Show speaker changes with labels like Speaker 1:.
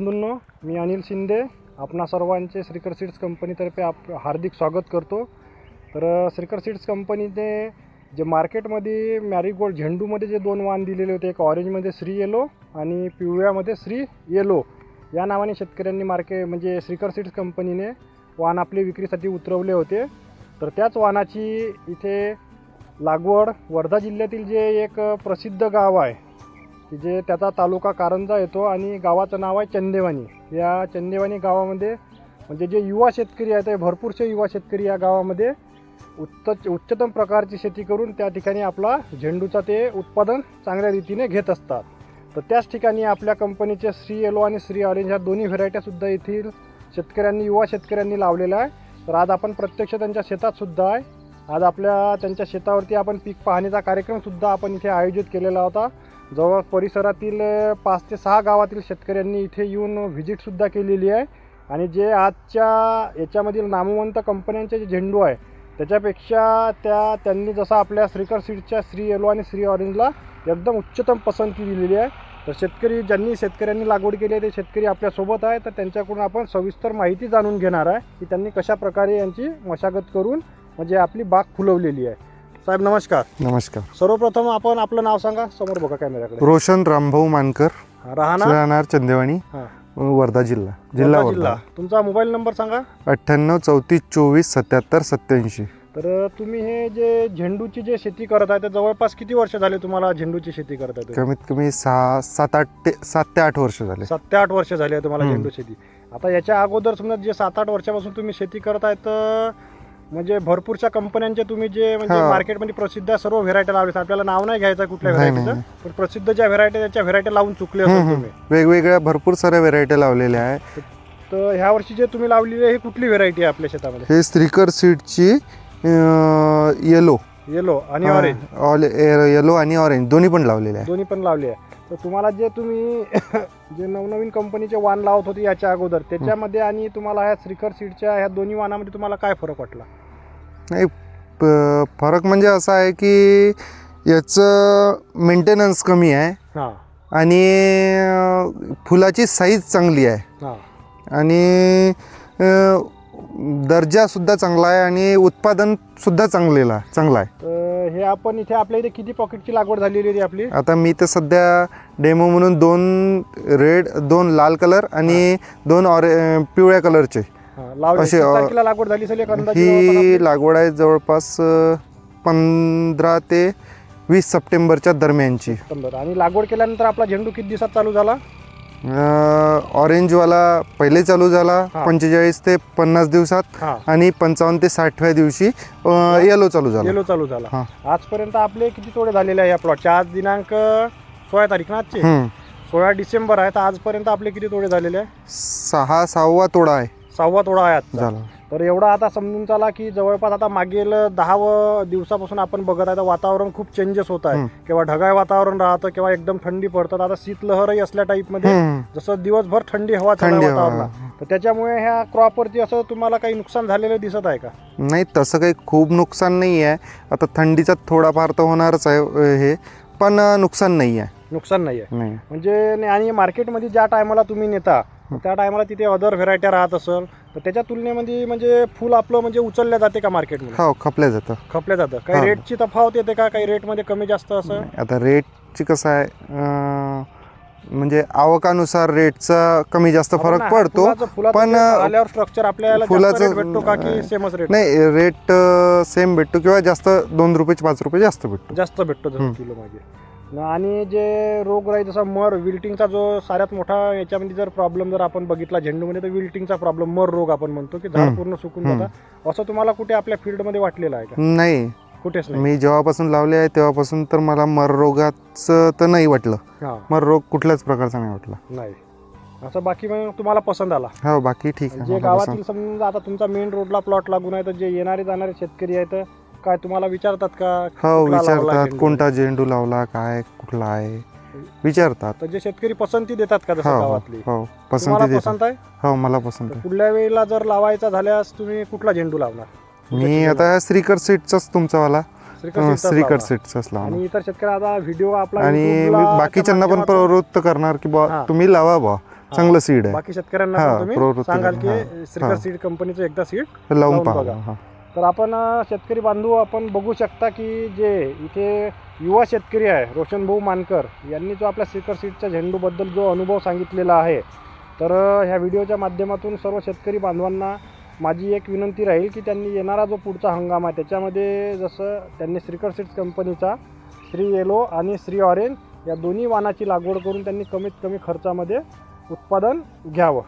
Speaker 1: बंधूंनो, मी अनिल शिंदे आपणा सर्वांचे श्रीकर सीड्स कंपनीतर्फे हार्दिक स्वागत करतो। तर श्रीकर सीड्स कंपनीने जे मार्केटमध्ये मॅरीगोल्ड झेंडूमध्ये जे दोन वाण दिलेले होते, एक ऑरेंजमध्ये श्री येलो आणि पिवळ्यामध्ये श्री येलो या नावाने शेतकऱ्यांनी म्हणजे श्रीकर सीड्स कंपनीने वाण आपले विक्रीसाठी उतरवले होते। तर त्याच वाणाची इथे लागवड वर्धा जिल्ह्यातील जे एक प्रसिद्ध गाव आहे की जे त्याचा तालुका कारंजा येतो आणि गावाचं नाव आहे चंदेवानी। या चंदेवानी गावामध्ये म्हणजे जे युवा शेतकरी आहेत ते भरपूरसे युवा शेतकरी या गावामध्ये उच्चतम प्रकारची शेती करून त्या ठिकाणी आपला झेंडूचा ते उत्पादन चांगल्या रीतीने घेत असतात। तर त्याच ठिकाणी आपल्या कंपनीचे श्री येलो आणि श्री ऑरेंज ह्या दोन्ही व्हेरायट्यासुद्धा येथील शेतकऱ्यांनी युवा शेतकऱ्यांनी लावलेल्या आहे। तर आज आपण प्रत्यक्ष त्यांच्या शेतात सुद्धा आहे। आज आपल्या त्यांच्या शेतावरती आपण पीक पाहणीचा कार्यक्रमसुद्धा आपण इथे आयोजित केलेला होता। जवळ परिसरातील 5 ते 6 गावातील शेतकऱ्यांनी इथे येऊन व्हिजिटसुद्धा केलेली आहे आणि जे आजच्या याच्यामधील नामवंत कंपन्यांचे जे झेंडू आहे त्याच्यापेक्षा त्यांनी जसं आपल्या श्रीकर सीड्सच्या श्री येलो आणि श्री ऑरेंजला एकदम उच्चतम पसंती दिलेली आहे। तर शेतकऱ्यांनी लागवड केली आहे ते शेतकरी आपल्यासोबत आहे। तर त्यांच्याकडून आपण सविस्तर माहिती जाणून घेणार आहे की त्यांनी कशा प्रकारे यांची मशागत करून म्हणजे आपली बाग फुलवलेली आहे। साहेब नमस्कार।
Speaker 2: नमस्कार।
Speaker 1: सर्वप्रथम आपण आपलं नाव सांगा, समोर बघा कॅमेराकडे।
Speaker 2: रोशन रामभाऊ मानकर,
Speaker 1: राहणार
Speaker 2: चंदेवानी, वर्धा जिल्हा वर्धा।
Speaker 1: तुमचा मोबाईल नंबर सांगा।
Speaker 2: 98 34 24 77 87।
Speaker 1: तर तुम्ही हे जे झेंडूची जे शेती करत आहे तर जवळपास किती वर्ष झाले तुम्हाला झेंडूची शेती करत आहे?
Speaker 2: कमीत कमी 7 ते 8 वर्ष झाले।
Speaker 1: 7 ते 8 वर्ष झाले तुम्हाला झेंडू शेती। आता याच्या अगोदर समजा जे 7-8 वर्षापासून तुम्ही शेती करत आहे तर म्हणजे भरपूरशा कंपन्यांचे तुम्ही जे म्हणजे मार्केटमध्ये प्रसिद्ध सर्व व्हेरायटी लावले, आपल्याला नाव नाही घ्यायचं कुठल्या व्हेरायटीचं, पण प्रसिद्ध ज्या व्हेरायटी त्याच्या व्हेरायटी लावून चुकले असेल तुम्ही।
Speaker 2: वेगवेगळ्या भरपूर साऱ्या व्हेरायटी लावलेल्या आहे।
Speaker 1: तर ह्या वर्षी जे तुम्ही लावलेली आहे ही कुठली व्हेरायटी आहे आपल्या शेतामध्ये?
Speaker 2: हे श्रीकर सीडची
Speaker 1: येलो आणि ऑरेंज,
Speaker 2: येलो आणि ऑरेंज दोन्ही पण लावलेले आहे।
Speaker 1: दोन्ही पण लावले आहे। तर तुम्हाला जे तुम्ही जे नवनवीन कंपनीचे वाण लावत होते याच्या अगोदर त्याच्यामध्ये आणि तुम्हाला ह्या श्रीकर सीडच्या ह्या दोन्ही वाणामध्ये तुम्हाला काय फरक वाटला?
Speaker 2: नाही, फरक म्हणजे असा आहे की याचं मेंटेनन्स कमी आहे आणि फुलाची साईज चांगली आहे आणि दर्जासुद्धा चांगला आहे आणि उत्पादनसुद्धा चांगला आहे।
Speaker 1: तर हे आपण इथे आपल्या इथे किती पॉकेटची लागवड झालेली आहे आपली? आता
Speaker 2: मी तर सध्या डेमो म्हणून 2 लाल कलर आणि 2 पिवळ्या कलरचे
Speaker 1: असे लागवड झाली असेल।
Speaker 2: ही लागवड आहे जवळपास 15 ते 20 सप्टेंबरच्या दरम्यानची।
Speaker 1: आणि लागवड केल्यानंतर आपला झेंडू किती दिवसात चालू झाला?
Speaker 2: ऑरेंजवाला पहिले चालू झाला 45 ते 50 दिवसात आणि 55 ते 60व्या दिवशी येलो चालू झाला।
Speaker 1: आजपर्यंत आपले किती तोडे झालेले आहे या प्लॉटचे? आज दिनांक 16 तारीख ना, आजची 16 डिसेंबर आहे। तर आजपर्यंत आपले किती तोडे झालेले आहे?
Speaker 2: 6वा तोडा आहे।
Speaker 1: 6वा तोडा आहे आज झाला। तर एवढा आता समजून चला की जवळपास आता मागील 10 दिवसापासून आपण बघत आहे तर वातावरण खूप चेंजेस होत आहे। किंवा ढगाळ वातावरण राहतं किंवा एकदम थंडी पडतात। आता शीतलहरही असल्या टाईपमध्ये जसं दिवसभर थंडी हवा वातावरण, तर त्याच्यामुळे ह्या क्रॉपवरती असं तुम्हाला काही नुकसान झालेलं दिसत आहे का?
Speaker 2: नाही, तसं काही खूप नुकसान नाही आहे। आता थंडीचा थोडाफार तर होणारच आहे हे, पण नुकसान नाही आहे।
Speaker 1: म्हणजे आणि मार्केटमध्ये ज्या टायमाला तुम्ही नेता त्या टायमाला तिथे अदर व्हेरायटी राहत असेल तर त्याच्या तुलनेमध्ये म्हणजे फुल आपलं म्हणजे उचलल्या जाते का मार्केटमध्ये?
Speaker 2: हो, खपल्या जातं।
Speaker 1: काही रेटची तफावत येते का? काही रेटमध्ये कमी जास्त असं?
Speaker 2: आता रेटची कसं आहे म्हणजे आवकानुसार रेटचा कमी जास्त फरक पडतो, पण
Speaker 1: स्ट्रक्चर आपल्याला फुलाचं भेटतो का की सेमच रेट?
Speaker 2: नाही, रेट सेम भेटतो किंवा जास्त 2 रुपये 5 रुपये जास्त भेटतो
Speaker 1: किलो मागे। आणि जे रोगराई जसा मर विल्टिंगचा जो सगळ्यात मोठा याच्यामध्ये जर प्रॉब्लेम जर आपण बघितला झेंडूमध्ये तर विल्टिंगचा प्रॉब्लेम, मर रोग आपण म्हणतो की झाड पूर्ण सुकून जातं, असं तुम्हाला कुठे आपल्या फील्डमध्ये वाटलेलं आहे का?
Speaker 2: नाही,
Speaker 1: कुठेच नाही।
Speaker 2: मी जेव्हापासून लावले आहे तेव्हापासून तर मला मर रोगाचं तर नाही वाटलं। मर रोग कुठल्याच प्रकारचा नाही वाटला
Speaker 1: नाही असं। बाकी मग तुम्हाला पसंत आला?
Speaker 2: हो, बाकी ठीक आहे।
Speaker 1: जे गावातील समजा आता तुमचा मेन रोडला प्लॉट लागून आहे तर जे येणारे जाणारे शेतकरी आहेत काय तुम्हाला विचारतात का?
Speaker 2: हो, विचारतात कोणता झेंडू लावला, काय कुठला आहे विचारतात।
Speaker 1: तर जे शेतकरी पसंती देतात का जसं गावातली?
Speaker 2: हो, पसंती
Speaker 1: पसंत आहे।
Speaker 2: हो, मला पसंत आहे।
Speaker 1: पुढल्या वेळेला जर लावायचा झाल्यास तुम्ही कुठला झेंडू लावणार?
Speaker 2: मी आता श्रीकर सीडचाच तुमचावाला श्रीकर सीड्सच लावणार।
Speaker 1: आणि इतर शेतकरी आता व्हिडिओ आपला
Speaker 2: आणि बाकीच्यांना पण प्रवृत्त करणार की बा तुम्ही लावा बा, चांगलं सीड आहे.
Speaker 1: बाकी शेतकऱ्यांना
Speaker 2: हा,
Speaker 1: पण तुम्ही
Speaker 2: प्रवृत्ती
Speaker 1: सांगाल
Speaker 2: द्या.
Speaker 1: की श्रीकर सीड कंपनीचं एकदा सीड
Speaker 2: लावून
Speaker 1: लावून
Speaker 2: पहा.
Speaker 1: बघा.
Speaker 2: हा.
Speaker 1: तर आपण शेतकरी बांधव आपण बघू शकता की जे इथे युवा शेतकरी आहे रोशन भाऊ मानकर यांनी जो आपल्या श्रीकर सीडच्या झेंडूबद्दल जो अनुभव सांगितलेला आहे, तर ह्या व्हिडिओच्या माध्यमातून सर्व शेतकरी बांधवांना माझी एक विनंती राहील की त्यांनी येणारा जो पुढचा हंगाम आहे त्याच्यामध्ये जसं त्यांनी श्रीकर सीड्स कंपनीचा श्री येलो आणि श्री ऑरेंज या दोन्ही वाणाची लागवड करून त्यांनी कमीत कमी खर्चामध्ये उत्पादन घ्यावं.